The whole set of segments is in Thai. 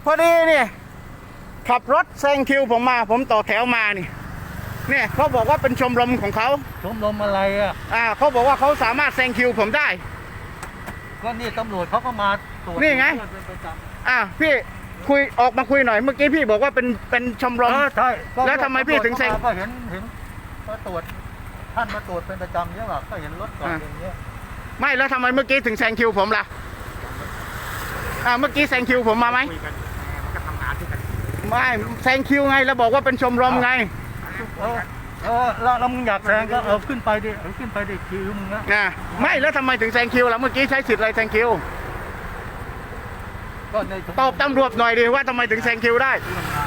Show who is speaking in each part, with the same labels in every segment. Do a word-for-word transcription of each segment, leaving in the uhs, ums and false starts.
Speaker 1: พอดีนี่ขับรถแซงคิวผมมาผมต่อแถวมานี่เนี่ยเขาบอกว่าเป็นชมรมของเขา
Speaker 2: ชมรมอะไรอ่ะ
Speaker 1: อ่าเขาบอกว่าเขาสามารถแซงคิวผมได้
Speaker 2: ก็นี่ตำรวจเขาก็มาตรวจ
Speaker 1: นี่ไงอ่าพี่คุยออกมาคุยหน่อยเมื่อกี้พี่บอกว่าเป็นเป็นชมรม
Speaker 2: ใช่
Speaker 1: แล้วทำไมพี่ถึงแซง
Speaker 2: ก็เห็นเห็นมาตรวจท่านมาตรวจเป็นประจำเนี่ยหรอก็เห็นรถจอดอย่างเงี้ย
Speaker 1: ไม่แล้วทำไมเมื่อกี้ถึงแซงคิวผมล่ะอ่าเมื่อกี้แซงคิวผมมาไหมไม่แซงคิวไงแล้วบอกว่าเป็นชมรมไง
Speaker 2: เออเออแล้วมึงอยากแซงก็เอาขึ้นไปดิเอาขึ้นไปดิคิวมึงนะ
Speaker 1: นะไม่แล้วทำไมถึงแซงคิวล่ะเมื่อกี้ใช้สิทธิ์อะไรแซงคิวตอบตำรวจหน่อยดิว่าทำไมถึงแซงคิวได้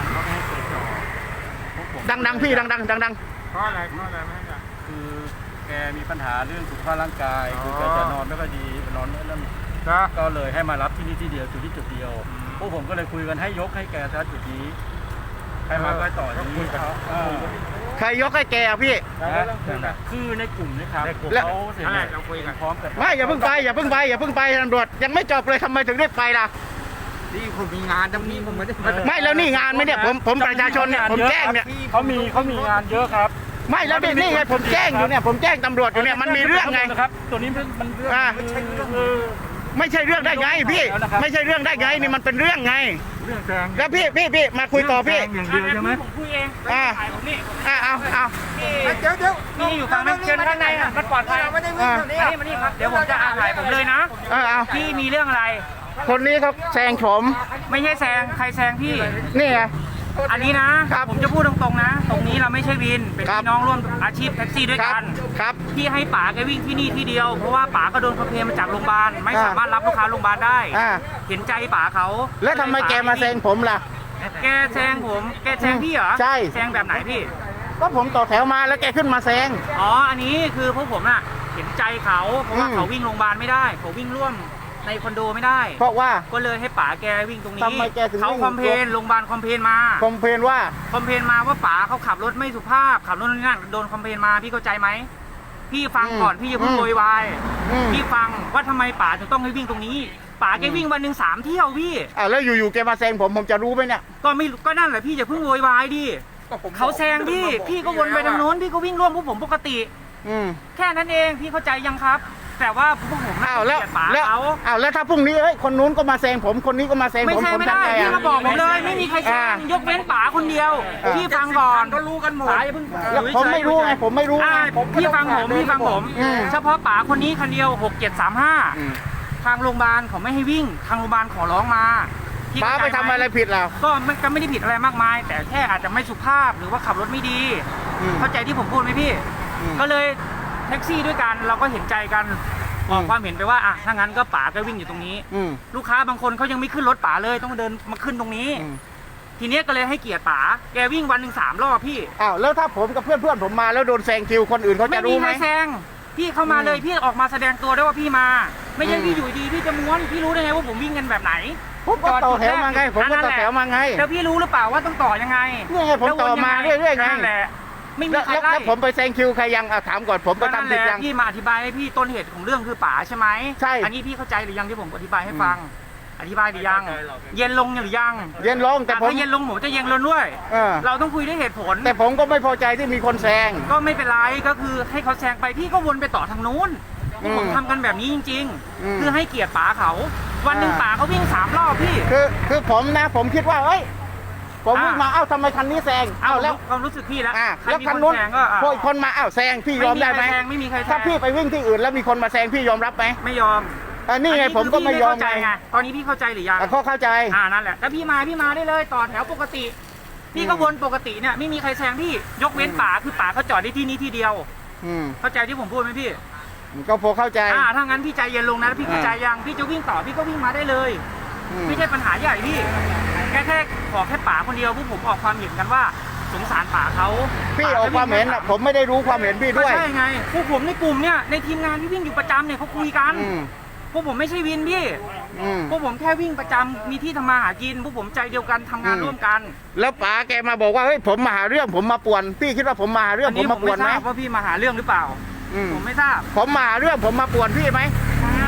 Speaker 1: ดังๆพี่ดังๆดัง
Speaker 3: ๆเพราะอะไรเพราะอะไรไม่ใช่
Speaker 2: คือแกมีปัญหาเรื่องสุขภาพร่างกายคือแกจะนอนไม่ค่อยดีนอนไม่เริ่มก็เลยให้มารับที่นี่ที่เดียวจุดที่จุดเดียวพวกผมก็เลยคุยกันให้ยกให้แกซะจุดนี้ให้มาก็ต่ออย่างนี้
Speaker 1: ใครยกให้แกอ่ะพี่
Speaker 2: คือในกลุ่มนะครับแล้วเราคุยกันพร้อมกัน
Speaker 1: ไม่อย่าเพิ่งไปอย่าเพิ่งไปอย่าเพิ่งไปตำรวจยังไม่จบเลยทำไมถึงได้ไปล่ะ
Speaker 3: นี่ผมมีงานตรงนี้ผมไม่ได้
Speaker 1: ไม่แล้วนี่งานไหมเนี่ยผมผมประชาชนเนี่ยผมแจ้งเนี่ย
Speaker 2: เขามีเขามีงานเยอะครับ
Speaker 1: ไม่แล้วนี่ไงผมแจ้งอยู่เนี่ยผมแจ้งตำรวจอยู่เนี่ยมันมีเรื่องไง
Speaker 2: ครับตัวนี้มันเรื่อง
Speaker 1: ไม่ใช่เรื่องได้ไงพี่ไม่ใช่เรื่องได้ไงนี่มันเป็นเรื่องไง
Speaker 2: เรื่องแซง
Speaker 1: แล้วพี่พี่พี่มาคุยต่อพี่
Speaker 2: อย่างเดียวใช่ไหม
Speaker 4: ผมคุยเอง
Speaker 1: อ่าอ่าเอาเอา
Speaker 3: เดี๋ยวเดี๋ยว
Speaker 4: นี่อยู่ฝั่งนั้นเชิญข้างในอ่ะมันปลอดภัย
Speaker 3: ไม่ได้วิ่งตรงนี้
Speaker 4: มานี่ครับเดี๋ยวผมจะอ่านถ่ายผมเลยนะ
Speaker 1: เออเอา
Speaker 4: พี่มีเรื่องอะไร
Speaker 1: คนนี้เขาแซงผม
Speaker 4: ไม่ใช่แซงใครแซงพี่
Speaker 1: นี่ไง
Speaker 4: อันนี้นะผมจะพูดตรงๆนะตรงนี้เราไม่ใช่วินเป็นพี่น้องร่วมอาชีพแท็กซี่ด้วยกัน
Speaker 1: ครับ
Speaker 4: พี่ให้ป๋าแกวิ่งที่นี่ที่เดียวเพราะว่าป๋าก็โดนคอมเพลนมาจากโรงพยาบาลไม่สามารถรับลูกค้าโรงพยาบาลได้เห็นใจป๋าเขา
Speaker 1: แล้วทำไมแกมาแซงผมล่ะ
Speaker 4: แกแซงผมแกแซงพี่เหรอ
Speaker 1: ใช่
Speaker 4: แซงแบบไหนพี่
Speaker 1: ก็ผมต่อแถวมาแล้วแกขึ้นมาแซง
Speaker 4: อ๋ออันนี้คือพวกผมน่ะเห็นใจเขาเพราะว่าเขาวิ่งโรงพยาบาลไม่ได้เขาวิ่งร่วมในคอนโดไม่ได้
Speaker 1: เพราะว่า
Speaker 4: ก็เลยให้ป๋าแกวิ่งตรงนี้
Speaker 1: ทำไมแกถึง
Speaker 4: เขาคอมเพลนโรงพยาบาลคอมเพลนมา
Speaker 1: คอมเพลนว่า
Speaker 4: คอมเพลนมาว่าป๋าเขาขับรถไม่สุภาพขับรถนั่นโดนคอมเพลนมาพี่เข้าใจไหมพี่ฟังก่อนพี่อย่าเพิ่งโวยวายพี่ฟังว่าทำไมป๋าถึงต้องให้วิ่งตรงนี้ป๋าแกวิ่งวันหนึ่งสามเที่ยวพี่
Speaker 1: อ่าแล้วอยู่ๆแกมาแซงผมผมจะรู้ไหมเนี่ย
Speaker 4: ก็ไม่ก็นั่นแหละพี่อย่าเพิ่งโวยวายดิเขาแซงพี่พี่ก็วนไปทางโน้นพี่ก็วิ่งร่วมพวกผมปกติแค่นั้นเองพี่เข้าใจยังครับแต่ว่าพวกผม
Speaker 1: อ้าวแล้วแล้วอ้าวแล้วถ้าพรุ่งนี้เอ้ยคนนู้นก็มาแซงผมคนนี้ก็มาแซงผม
Speaker 4: ไม่ใช่ไม่ได้พี่มาบอกผมเลยไม่มีใครแซงยกเว้นป๋าคนเดียวพี่ฟังก่อน
Speaker 3: ก็รู้กันหมด
Speaker 1: แล้วผมไม่รู้ไงผมไม่รู้
Speaker 4: พี่ฟังผมพี่ฟังผมเฉพาะป๋าคนนี้คนเดียวหกเจ็ดสามห้าทางโรงพยาบาลเขาไม่ให้วิ่งทางโรงพยาบาลขอร้องมา
Speaker 1: ป๋าไปทำอะไรผิดแล้ว
Speaker 4: ก็ไม่ก็ไม่ได้ผิดอะไรมากมายแต่แค่อาจจะไม่สุภาพหรือว่าขับรถไม่ดีเข้าใจที่ผมพูดไหมพี่ก็เลยแท็กซี่ด้วยกันเราก็เห็นใจกันออกความเห็นไปว่าอ่ะถ้างั้นก็ป๋าก็วิ่งอยู่ตรงนี้ลูกค้าบางคนเขายังไม่ขึ้นรถป๋าเลยต้องเดินมาขึ้นตรงนี้ทีนี้ก็เลยให้เกียรติป๋าแกวิ่งวันหนึ่งสามรอบพี่
Speaker 1: อ้าวแล้วถ้าผมกับเพื่อนเพื่อนผมมาแล้วโดนแซงคิวคนอื่นเขาจะรู้ไหม
Speaker 4: ไม่มีใครแซงพี่เข้ามาเลยพี่ออกมาแสดงตัวได้ว่าพี่มาไม่ใช่พี่อยู่ดีพี่จะม้วนพี่รู้ได้ไงว่าผมวิ่งกันแบบไหน
Speaker 1: ผมก็ต่อแถวมาไงผมก็ต่อแถวมาไง
Speaker 4: แล้วพี่รู้หรือเปล่าว่าต้องต่อยังไง
Speaker 1: นี่ไงผมต่อมาเรื่อยๆไง
Speaker 4: นั่นแหละไม่มีใคร
Speaker 1: แล้วผมไปแซงคิวใครยังถามก่อนผมไปทำผิดยัง
Speaker 4: พี่มาอธิบายให้พี่ต้นเหตุของเรื่องคือป๋าใช่ไหม
Speaker 1: ใช่
Speaker 4: อันนี้พี่เข้าใจหรือยังที่ผมอธิบายให้ฟังอธิบายหรือยังเย็นลงหรือยัง
Speaker 1: เย็นลงแต่ผม
Speaker 4: เย็นลงผมจะเย็นลงด้วยเราต้องคุยด้วยเหตุผล
Speaker 1: แต่ผมก็ไม่พอใจที่มีคนแซง
Speaker 4: ก็ไม่เป็นไรก็คือให้เขาแซงไปพี่ก็วนไปต่อทางนู้นผมทำกันแบบนี้จริงๆคือให้เกียรติป๋าเขาวันหนึ่งป๋าเขาวิ่งสามรอบพี่
Speaker 1: คือคือผมนะผมคิดว่าเฮ้ยผมวิ่งมาเอ้าทำไมคันนี้แซง
Speaker 4: เอ้าแล้วความรู้สึกพี่แล้ว
Speaker 1: แล้วคันนู้นพอคนมาเอ้าแซงพี่ยอมได้ไหม
Speaker 4: ไม่มีใครแซง
Speaker 1: ถ้าพี่ไปวิ่งที่อื่นแล้วมีคนมาแซงพี่ยอมรับไหม
Speaker 4: ไม่ยอม
Speaker 1: อันนี้ไงผมก็ไม่ยอมไง
Speaker 4: ตอนนี้พี่เข้าใจหรือยัง
Speaker 1: เขาเข้าใจ
Speaker 4: อ่านั่นแหละแล้วพี่มาพี่มาได้เลยต่อแถวปกติพี่ก็วนปกติเนี่ยไม่มีใครแซงพี่ยกเว้นป๋าคือป๋าเขาจอดได้ที่นี่ที่เดียวเข้าใจที่ผมพูดไหมพี่
Speaker 1: ก็พอเข้าใจ
Speaker 4: อ่าถ้างั้นพี่ใจเย็นลงนะพี่เข้าใจยังพี่จะวิ่งต่อพี่ก็วิ่งมาได้เลยไม่ใช่ปัญหาใหญ่พี่แค่แค่ขอแค่ป๋าคนเดียวพวกผมออกความเห็นกันว่าสงสารป๋าเขา
Speaker 1: พี่ออกความเห็นอ่ะผมไม่ได้รู้ความเห็นพี่ด้วย
Speaker 4: ใช่ไงพวกผมในกลุ่มเนี่ยในทีมงานที่วิ่งอยู่ประจำเนี่ยเขาคุยกันพวกผมไม่ใช่วินพี่พวกผมแค่วิ่งประจำมีที่ทำมาหากินพวกผมใจเดียวกันทำงานร่วมกัน
Speaker 1: แล้วป๋าแกมาบอกว่าเฮ้ยผมมาหาเรื่องผมมาป่วนพี่คิดว่าผมมาหาเรื่องผมมาป่วนไหม
Speaker 4: ว่าพี่มาหาเรื่องหรือเปล่าผมไม่ทราบ
Speaker 1: ผมมาหาเรื่องผมมาป่วนพี่ไหม
Speaker 4: ใช่เขา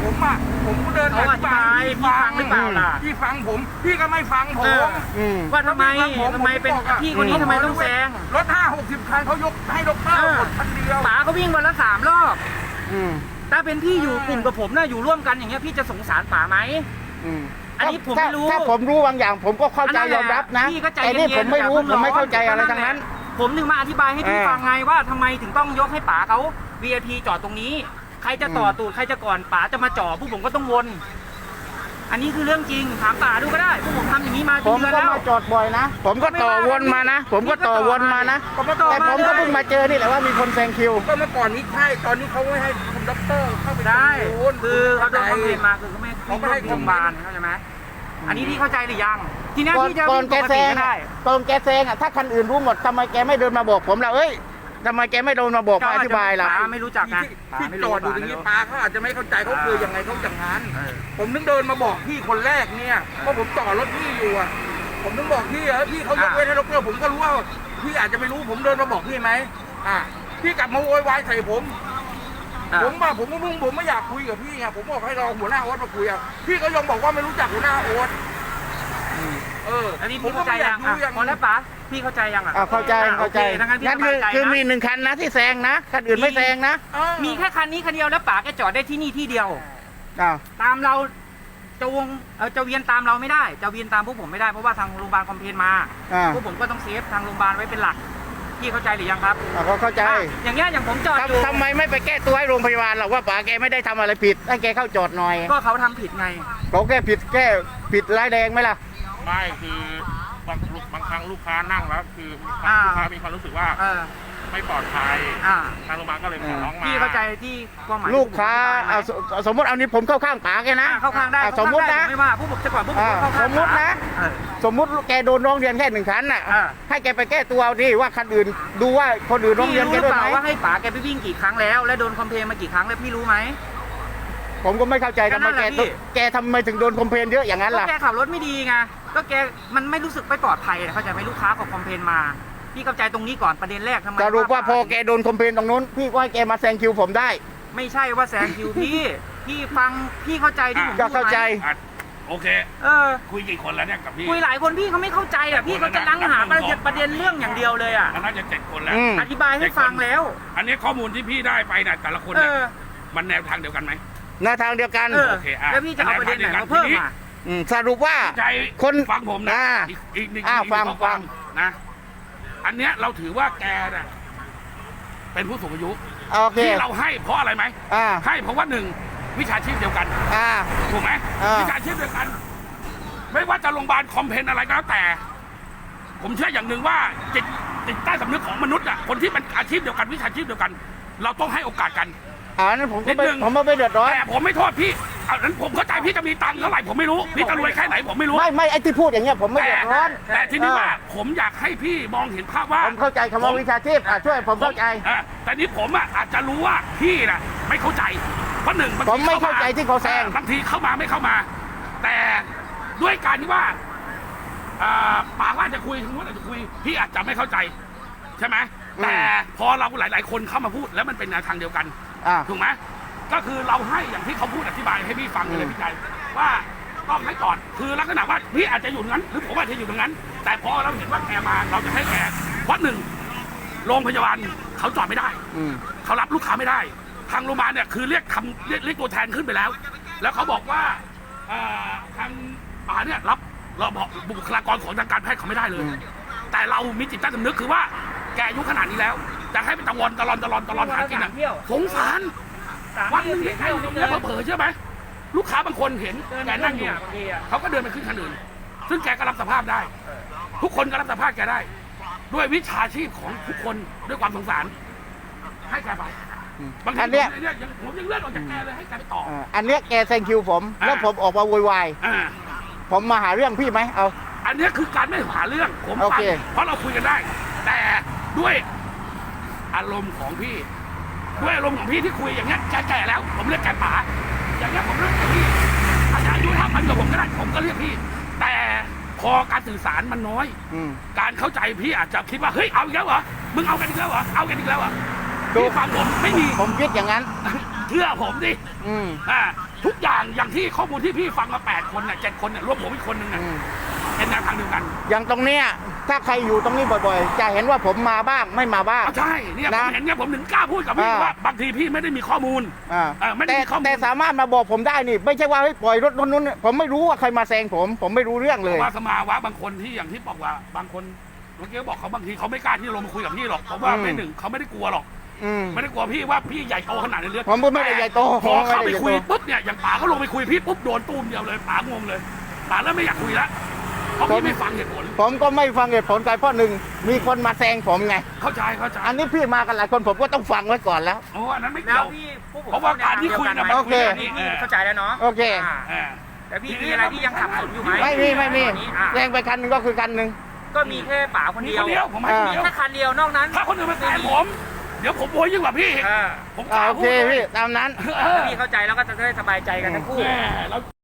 Speaker 3: ผมอ่ะผมก็เดิน
Speaker 4: เขาอธิบายพี่ฟังหรือเปล่าล่ะ
Speaker 3: พี่ฟังผมพี่ก็ไม่ฟังผ
Speaker 4: เอ
Speaker 3: ม
Speaker 4: อ
Speaker 1: อืม
Speaker 4: ว่าทำไม
Speaker 3: ถ้าพี่ฟังผม
Speaker 4: ทำไมเป็น
Speaker 3: ผมบอกอะ
Speaker 4: พี่คนนี้ทำไมต้องแซง
Speaker 3: รถห้าหกสิบคันเขายกให้ดอกเตอ
Speaker 4: เอ
Speaker 3: ร์
Speaker 4: อ
Speaker 3: หมดคันเดียว
Speaker 4: ป๋าเขาวิ่งวันละสามรอบ
Speaker 1: อืม
Speaker 4: ถ้าเป็นพี่อยู่กลุ่มกับผมนะอยู่ร่วมกันอย่างเงี้ยพี่จะสงสารป๋าไหม
Speaker 1: อืม
Speaker 4: อันนี้ผม
Speaker 1: ถ้า
Speaker 4: ไม่รู้
Speaker 1: ถ้าผมรู้บางอย่าง ผมก็เข้าใจ
Speaker 4: อันนั้นแห
Speaker 1: ย
Speaker 4: ละ
Speaker 1: อมรับนะ
Speaker 4: พี่ก็ใจ
Speaker 1: แต่นี่
Speaker 4: เย็นๆ
Speaker 1: ผมไม่รู้
Speaker 4: อย่าเพิ่
Speaker 1: ผม
Speaker 4: ง
Speaker 1: ไม่
Speaker 4: ร้อน
Speaker 1: เข้าใจอะไรทั้งนั้น
Speaker 4: ผมถึงมาอธิบายให้พี่
Speaker 1: เออ
Speaker 4: ฟังไงว่าทำไมถึงต้องยกให้ป๋าเขา วี ไอ พี จอดตรงนี้ ใครจะต่อตูดใครจะก่อนป๋าจะมาจ่อพวกผมก็ต้องวน อันนี้คือเรื่องจริงถามป๋าดูก็ได้พวกผมทำอย่างนี้มา
Speaker 1: ผม
Speaker 4: เดือน
Speaker 1: ก็
Speaker 4: แล้ว
Speaker 1: มาจอดบ่อยนะ ผมก็ต่อวนมานะ ผมก็ต่อวนมานะ
Speaker 4: ก็มาต่อ
Speaker 1: แต่ผมก็
Speaker 4: มา
Speaker 1: เพิ่งมาเจอนี่แหละว่ามีคนแซงคิว
Speaker 3: ก็เมื่อก่อนนี้ใช่ตอนนี้เขาไม่ให้คุณด็อกเตอร์เข้าไป
Speaker 4: ได้
Speaker 3: ตรงนู้น
Speaker 4: คือเขาโดน
Speaker 3: ใจ
Speaker 4: คอมเพลนมาคือเขาไม่
Speaker 3: เขาไม่ให้
Speaker 4: โรงพยาบาลเข้าใจไหมอันนี้พี่เข้าใจหรือยัง ทีนี้
Speaker 1: ก่อน
Speaker 4: พี่จะ
Speaker 1: ก่อน
Speaker 4: วิ่ง
Speaker 1: แก
Speaker 4: ปก
Speaker 1: แซ
Speaker 4: ติ
Speaker 1: ง
Speaker 4: ก็ได้
Speaker 1: ตอนแกแซงอ่ะถ้าคันอื่นรู้หมดทำไมแกไม่เดินมาบอกผมล่ะเอ้ยทำไมแกไม่เดินมาบอกมาอธิบายล่ะ
Speaker 4: ป๋าไม่รู้จักนะ
Speaker 3: ที่
Speaker 4: ป๋า
Speaker 3: ที่
Speaker 4: ไม่
Speaker 3: จ
Speaker 4: รู้
Speaker 3: อดอยู่ตรงนี้ป้าเขาอาจจะไม่เข้าใจเขาคือยังไงเขาจังงานผมนึกเดินมาบอกพี่คนแรกเนี่ยเพราะผมจอดรถพี่อยู่อ่ะผมนึกบอกพี่อะพี่เขายกเว้นให้ด็อกเตอร์ผมก็รู้ว่าพี่อาจจะไม่รู้ผมเดินมาบอกพี่ไหมอ่ะพี่กลับมาโวยวายใส่ผม
Speaker 4: อ่ะ
Speaker 3: ผมว่าผมก็มึงผมไม่อยากคุยกับพี่ไงผมบอกให้รอหัวหน้าโอ๊ตมาคุยอ่ะพี่ก็ยังบอกว่าไม่รู้จักหัวหน้าโอ๊ตเออ
Speaker 4: อันนี้
Speaker 3: ผม
Speaker 4: พี่
Speaker 3: ก็
Speaker 4: เข้าใจ
Speaker 3: ไม่อยา
Speaker 4: ยั
Speaker 3: ก
Speaker 4: ง
Speaker 3: รู้
Speaker 4: อ่ะ
Speaker 3: ยัง
Speaker 4: พอแล้วป๋าพี่เข้าใจยังอ่ะ
Speaker 1: อ่าเข้าใจ
Speaker 4: อ่ะ
Speaker 1: เข้าใจ
Speaker 4: โอคงั้นพี่
Speaker 1: นั่น
Speaker 4: ส
Speaker 1: คื
Speaker 4: บา
Speaker 1: อย
Speaker 4: ใจ
Speaker 1: คือ
Speaker 4: นะ
Speaker 1: มีหนึ่งคันนะที่แซงนะคันอื่นไม่แซงนะ
Speaker 3: เออ
Speaker 4: มีแค่คันนี้คันเดียวแล้วป๋าแกจอดได้ที่นี่ที่เดียว
Speaker 1: อ้าว
Speaker 4: ตามเราจะวงเอ่อจะเวียนตามเราไม่ได้ จะเวียนตามพวกผมไม่ได้เพราะว่าทางโรงพยาบาลคอมเพลนมา
Speaker 1: อ่า
Speaker 4: พวกผมก็ต้องเซฟทางโรงพยาบาลไว้เป็นหลักพี่เข้าใจหรือยังครับ
Speaker 1: อ่าก็เข้าใจ
Speaker 4: อ่ะอย่างเงี้ยอย่างผมจอดอยู่
Speaker 1: ทำทำไมไม่ไปแก้ตัวให้โรงพยาบาลหรอกว่าป๋าแกไม่ได้ทำอะไรผิดให้แกเข้าจอดหน่อย
Speaker 4: ก็เขาทำผิดไง
Speaker 1: เขาแก้ผิดแก้ผิดร้ายแรงไหมล่ะ
Speaker 5: ไม่คือบางบางครั้งลูกค้านั่งแล้วคือ
Speaker 4: อ่า
Speaker 5: ลูกค้ามีความรู้สึกว่า
Speaker 4: เออ
Speaker 5: ไม่ปลอดภัย
Speaker 4: อ่า
Speaker 5: ทางโรงพยาบาลก็เลยขอร้องมา
Speaker 4: พี่เข้าใจที่ความหมาย
Speaker 1: ลูกค้า
Speaker 4: ที่ผมอธิบายไหม
Speaker 1: เอาสสมมติเอานี้ผมเข้าข้างป๋าแกนะ
Speaker 4: อ่ะเข้าข้างได้
Speaker 1: อ่ะ
Speaker 4: เข้า
Speaker 1: สมมติ
Speaker 4: ข้างได้
Speaker 1: นะ
Speaker 4: ผมไม่ว่าพวกผมจะก่อนพวกผม
Speaker 1: อ่า
Speaker 4: ก็เข้าข้าง
Speaker 1: สมมุตินะ
Speaker 4: เออ
Speaker 1: สมมุติแกโดนร้องเรียนแค่หนึ่งคันน่ะ
Speaker 4: อ่า
Speaker 1: ให้แกไปแก้ตัวเอาดิว่าคันอื่นดูว่าคนอื่นร้อง
Speaker 4: พี่
Speaker 1: เรียน
Speaker 4: รู้
Speaker 1: แก
Speaker 4: หรือ
Speaker 1: ด้วย
Speaker 4: เป
Speaker 1: ไห
Speaker 4: ล่าม ว่าให้ป๋าแกไปวิ่งกี่ครั้งแล้ว และโดนคอมเพลนมากี่ครั้งแล้วพี่รู้ไหม
Speaker 1: ผมก็ไม่เข้าใจ
Speaker 4: ก็
Speaker 1: ทำ
Speaker 4: นั่
Speaker 1: ไม
Speaker 4: นแห
Speaker 1: แก
Speaker 4: ละพี่
Speaker 1: แกทำไมถึงโดนคอมเพลนเยอะอย่างนั้น
Speaker 4: ก็
Speaker 1: ล่ะ
Speaker 4: แกขับรถไม่ดีไงก็แกมันไม่รู้สึกไม่ปลอดภัยเข้าใจไหมลูกค้าเขาคอมเพลนมาพี่เข้าใจตรงนี้ก่อนประเด็นแรกทำไม
Speaker 1: สรุปว่าพอ
Speaker 4: ป๋
Speaker 1: แกโดนคอมเพลนตรงนู้นพี่ก็ให้แกมาแซงคิวผมได้
Speaker 4: ไม่ใช่ว่าแซงคิวพี่พี่ฟังพี่เข้าใจที่ผม
Speaker 1: ก็
Speaker 4: พูดไหม
Speaker 1: เข้าใจ
Speaker 5: อ่ะโอเค
Speaker 4: เออ
Speaker 5: คุยกี่คนแล้วเนี่ยกับพี่
Speaker 4: คุยหลายคนพี่เขาไม่เข้าใจอ่ะพี่เขาจะนั่งหาประเด็นประเด็นเรื่องอย่างเดียวเลยอ่ะ
Speaker 5: มันน่าจะเจ็ดคนแล้ว
Speaker 1: อืม
Speaker 4: อธิบายให้ฟังแล้ว
Speaker 5: อันนี้ข้อมูลที่พี่ได้ไปเนี่ยแต่ละคน
Speaker 4: เอ
Speaker 5: เนี่ย
Speaker 4: อ
Speaker 5: มันแนวทางเดียวกันไหม
Speaker 1: หน้าทางเดียวกัน
Speaker 4: เออ
Speaker 5: โอเคอ่ะ
Speaker 4: แล้วพี่จะเอาประเด็นไหนมาเพิ่มอ่ะ
Speaker 1: มสรุปว่า
Speaker 5: ใจ
Speaker 1: คน
Speaker 5: ฟังผมนะ
Speaker 1: อ่า
Speaker 5: อีกอีกหนึ่ง
Speaker 1: อ่า
Speaker 5: อีกหนึ่
Speaker 1: ฟัง
Speaker 5: ข้อ
Speaker 1: ฟัง
Speaker 5: นะ อันเนี้ยเราถือว่าแกน่ะเป็นผู้สูงอายุ
Speaker 1: โอเค
Speaker 5: ที่เราให้เพราะอะไรไหม
Speaker 1: อ่า
Speaker 5: ให้เพราะว่าหนึ่งวิชาชีพเดียวกัน
Speaker 1: อ่า
Speaker 5: ถูกไหม
Speaker 1: อ่า
Speaker 5: วิชาชีพเดียวกัน ไม่ว่าจะโรงพยาบาลคอมเพลนอะไรก็แล้วแต่ ผมเชื่ออย่างหนึ่งว่าจิตจิตใต้สำนึกของมนุษย์อ่ะคนที่เป็นอาชีพเดียวกันวิชาชีพเดียวกัน เราต้องให้โอกาสกัน
Speaker 1: อ่านั้นผมก็
Speaker 5: นิด
Speaker 1: ไม่
Speaker 5: นึง
Speaker 1: ผมก็ไม่เดือดร้อน
Speaker 5: แต่ผมไม่โทษพี่เอานั้นผมเข้าใจพี่จะมีตังค์เท่าไหร่ผมไม่รู้พี่จะรวยแค่ไหนผมไม่รู้
Speaker 1: ไม่ไม่ไอ้ที่พูดอย่างเงี้ยผมไม่
Speaker 5: แต่
Speaker 1: เดือดร้อน
Speaker 5: แต่ที่นี่
Speaker 1: เออ
Speaker 5: ว่าผมอยากให้พี่มองเห็นภาพว่า
Speaker 1: ผมเข้าใจคำว่าวิชาชีพอ่ะช่วยผมเข้าใจ
Speaker 5: อ่ะแต่นี้ผมอ่ะอาจจะรู้ว่าพี่น่ะไม่เข้าใจเพราะหนึ่งบงที
Speaker 1: ผมไม่เข้าใจที่เขาแซง
Speaker 5: บางทีเข้ามาไม่เข้ามา แต่ด้วยการที่ว่าอ่าปากว่าจะคุยถึงว่าจะคุยพี่อาจจะไม่เข้าใจใช่ไหมแต่พอเราหลาย ๆ คนเข้ามาพูดแล้วมันเป็นแนวทางเดียวกัน
Speaker 1: อ่า
Speaker 5: ถูกไหมก็คือเราให้อย่างที่เขาพูดอธิบายให้พี่ฟังเลยพี่ใจว่าต้องให้ก่อนคือลักษณะว่าพี่อาจจะอยู่ตรงนั้น หรือผมอาจจะอยู่ตรงนั้น แต่พอเราเห็นว่าแกมาเราจะให้แกเพราะหนึ่งโรงพยาบาลเขาจอดไม่ได้
Speaker 1: อืม
Speaker 5: เขารับลูกค้าไม่ได้ ทางโรงพยาบาลเนี่ยคือเรียกทำเรียกเรียกตัวแทนขึ้นไปแล้ว แล้วเขาบอกว่าเอ่อทางป่าเนี่ยรับเราบอกบุคลากรของทางการแพทย์เขาไม่ได้เลย
Speaker 1: อืม
Speaker 5: แต่เรามีจิตใต้สำนึกคือว่าแกอายุขนาดนี้แล้วจะให้ไปตะวันตะลอนตะลอนตะลอนหากินอ่ะสงสารวันหนึงที่แกอยู่ตรงเนี้ยเผลอๆเชื่อไหมลูกค้าบางคนเห็นแกนั่งอยู่เขาก็เดินไปขึ้นคันอื่น ซึ่งแกก็รับสภาพได้ ทุกคนก็รับสภาพแกได้ ด้วยวิชาชีพของทุกคนด้วยความสงสาร ให้แกไปบางที
Speaker 1: อันเนี้ย
Speaker 5: ผมเนี่ยยังผมยังเลื่อนออกจากแกเลยให้แกไปต่อ
Speaker 1: อ่าอันเนี้ยแกแซงคิวผม
Speaker 5: อ่า
Speaker 1: แล้วผมออกมาโวยวาย
Speaker 5: อ่า
Speaker 1: ผมมาหาเรื่องพี่ไหมเอา
Speaker 5: อันเนี้ยคือการไม่หาเรื่องผม
Speaker 1: โอ
Speaker 5: ฟัง
Speaker 1: เค
Speaker 5: เพราะเราคุยกันได้ แต่ด้วยอารมณ์ของพี่ ด้วยอารมณ์ของพี่ที่คุยอย่างเงี้ยแก่ๆแล้ว ผมเรียกแกป๋าอย่างเงี้ยผมเรียกแกพี่อาจจะอายุเท่ากันกับผมก็ได้ผมก็เรียกพี่ แต่พอการสื่อสารมันน้อย
Speaker 1: อืม
Speaker 5: การเข้าใจพี่อาจจะคิดว่าเฮ้ยเอาอีกแล้วเหรอมึงเอากันอีกแล้วเหรอเอากันอีกแล้วเหรอ
Speaker 1: ดู
Speaker 5: พี่ฟังผมไม่มี
Speaker 1: ผมคิดอย่างนั้น
Speaker 5: เชื่อผมดิ
Speaker 1: อืม
Speaker 5: อ่าทุกอย่างอย่างที่ข้อมูลที่พี่ฟังมาแปดคนเนี่ยเจ็ดคนเนี่ยรวมผมอีกคนหนึ่งเนี่ย
Speaker 1: อืม
Speaker 5: เป็นแนวทางเดียวกัน
Speaker 1: อย่างตรงเนี้ยถ้าใครอยู่ตรงนี้บ่อยๆ จะเห็นว่าผมมาบ้างไม่มาบ้าง
Speaker 5: อ่ะใช่เนี่ยผ
Speaker 1: นะ
Speaker 5: มเห็นเนี่ยผมถึงกล้าพูดกับพี่
Speaker 1: อ่า
Speaker 5: ว่าบางทีพี่ไม่ได้มีข้อมูล
Speaker 1: อ่า
Speaker 5: เออไม่ได้
Speaker 1: แต่
Speaker 5: มีข้อมูล
Speaker 1: แต่สามารถมาบอกผมได้นี่ ไม่ใช่ว่าให้ปล่อยรถนู้นนู้นผมไม่รู้ว่าใครมาแซงผม ผมไม่รู้เรื่องเลย
Speaker 5: ว่าสมาวะบางคนที่อย่างที่บอกว่าบางคนเมื่อกี้บอกเขาบางทีเขาไม่กล้าที่จะลงมาคุยกับพี่หรอกเพราะว่า
Speaker 1: อืม
Speaker 5: ไม่หนึ่งเขาไม่ได้กลัวหรอก
Speaker 1: อืม
Speaker 5: ไม่ได้กลัวพี่ว่าพี่ใหญ่โตขนาดนี้เลย
Speaker 1: ผมไม่ได้ใหญ่โต
Speaker 5: พอเข้า
Speaker 1: ผมไม่
Speaker 5: ไป
Speaker 1: ได้ใหญ่โต
Speaker 5: คุยปุ๊บเนี่ยอย่างป๋าก็ลงไปคุยพี่ปุ๊บโดนตูมเดียวเลยป๋างงเลยป๋าเริ่มไม่อยากคุยแล้วเพราะพี่ไม่ฟังเหตุผล
Speaker 1: ผมก็ไม่ฟังเหตุผลกันเพราะหนึ่งมีคนมาแซงผมไง
Speaker 5: เข้าใจเข้าใจ
Speaker 1: อันนี้พี่มากันหลายคนผมก็ต้องฟังไว้ก่อนแล้ว
Speaker 5: โอ้อันนั้นไม่
Speaker 4: แล้
Speaker 5: เกี่
Speaker 4: ว
Speaker 5: ยว
Speaker 4: พี่พวกผม
Speaker 5: เพราะว่าการที่คุยนะมัน
Speaker 1: โอเค
Speaker 5: คุยกัน
Speaker 4: นี่
Speaker 5: นี่
Speaker 4: พี่เข้าใจแล้วเนาะ
Speaker 1: โอเค
Speaker 4: อ่า
Speaker 5: เออ
Speaker 4: แต่พี่มีอะไรที่ยังสับสนอยู่ไหม
Speaker 1: ไม่มีไม่มี
Speaker 4: ตอนนี้อ่ะ
Speaker 1: แซงไปคันหนึงก็คือคันหนึง
Speaker 4: ก็มีแค่ป๋าคน
Speaker 5: มี
Speaker 4: เดีย
Speaker 5: คว นเดียวผมให้คนเดียว
Speaker 4: แค่คันเดียวนอกนั้น
Speaker 5: ถ้าคนอื่นมาแซงผม เดี๋ยวผมโวยยิ่งกว่าพี่อีก
Speaker 4: อ่า
Speaker 5: ผมก
Speaker 1: อ่า
Speaker 5: ล้า
Speaker 1: โอ
Speaker 5: พู
Speaker 1: เค
Speaker 5: ดเลย
Speaker 1: พี่ตามนั้น
Speaker 5: เออ
Speaker 4: พี่เข้าใจแล้วก็จะได้สบายใจกันทั้งคู่
Speaker 5: แม่แล้ว